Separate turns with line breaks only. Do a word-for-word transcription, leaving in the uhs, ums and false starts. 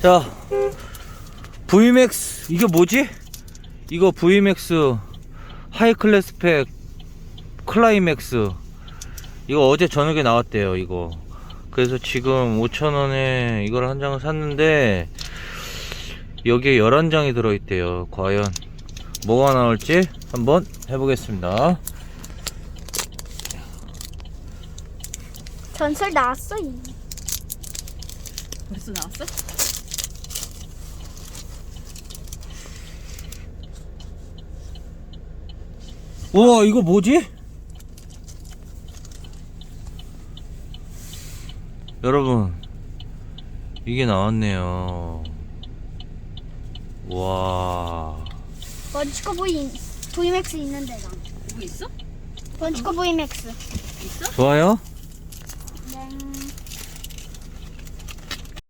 자, 브이맥스 이게 뭐지? 이거 브이맥스 하이클래스 팩 클라이맥스 이거 어제 저녁에 나왔대요. 이거 그래서 지금 오천 원에 이걸 한 장을 샀는데 여기에 열한 장이 들어있대요. 과연 뭐가 나올지 한번 해보겠습니다.
전설 나왔어. 이.
벌써 나왔어?
우와, 이거 뭐지? 여러분, 이게 나왔네요. 와.
번치코 브이 브이맥스 있는데 나.
뭐 있어?
번치코 브이맥스.
있어?
좋아요?
네.